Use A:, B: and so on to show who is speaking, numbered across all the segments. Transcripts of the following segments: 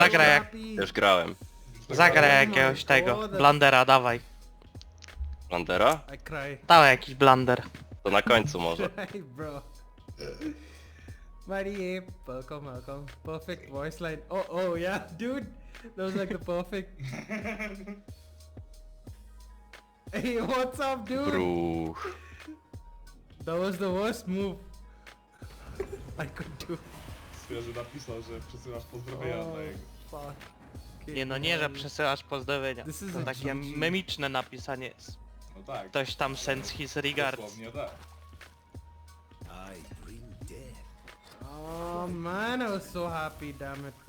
A: Zagraj jak...
B: happy.
C: Już grałem.
A: Zagraj jakiegoś tego. Blandera, dawaj.
C: Landera?
B: I cry.
A: Dawaj jakiś blander.
C: To na końcu może.
B: Cry, bro. Mighty Ape, welcome, welcome. Perfect voice line. Oh, yeah, dude. That was like the perfect. Hey, what's up, dude?
C: Bruch.
B: That was the worst move I could do.
D: Świeży napisał, że przesyłasz pozdrowienia
B: Oh,
D: dla jego.
B: fuck. Okay,
A: Nie no, nie, że przesyłasz pozdrowienia.
B: This is
A: To
B: a
A: takie
B: GG.
A: memiczne napisanie jest.
D: No tak.
A: Ktoś tam sends his regards.
D: Dosłownie tak.
B: Oh man, I was so happy, damn it.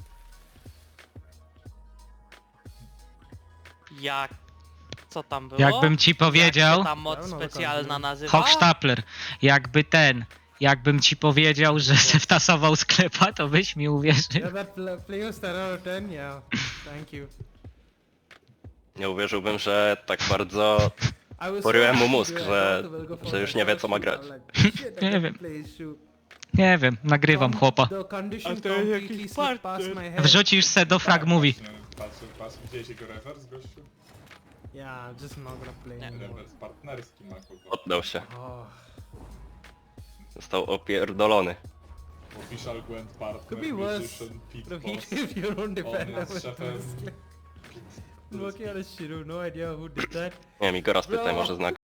A: Jak... Co tam było?
E: Jakbym ci powiedział...
A: Jak się ta moc specjalna nazywa?
E: Hochstapler, jakbym ci powiedział, że se wtasował sklepa, to byś mi uwierzył.
B: Yeah, that play was 10 out of 10, yeah. Thank you.
C: Nie uwierzyłbym, że tak bardzo
B: I was
C: poryłem mu
B: happy,
C: mózg,
B: dude. I
C: że
B: thought we'll go for
C: już
B: the
C: nie wie,
B: first
C: co ma
B: shoot.
C: grać.
B: I'm like, shit, I
E: Nie
B: got
E: wiem.
B: to play shoot.
E: Nie wiem, nagrywam chłopa.
B: The condition
A: A to jest
B: completely
A: jakiś
B: slipped past
A: partner.
B: my head.
E: Wrzucisz se do frag movie.
D: Patrz, widziałeś jego rewers, gościu?
B: Yeah, I'm just not gonna play
A: Nie.
B: anymore.
D: Rewers partnerski ma kogo.
C: Oddał się.
B: Oh.
C: Został opierdolony.
D: Official Gwent Partner,
B: Could be worse.
D: Musician, Pit
B: Look,
D: Boss.
B: he gave your own defender
D: nas
B: with
D: szefem.
B: this. Working on his shit, no idea who did that.
C: Nie wiem, Igora spytaj,
B: Bro.
C: może zna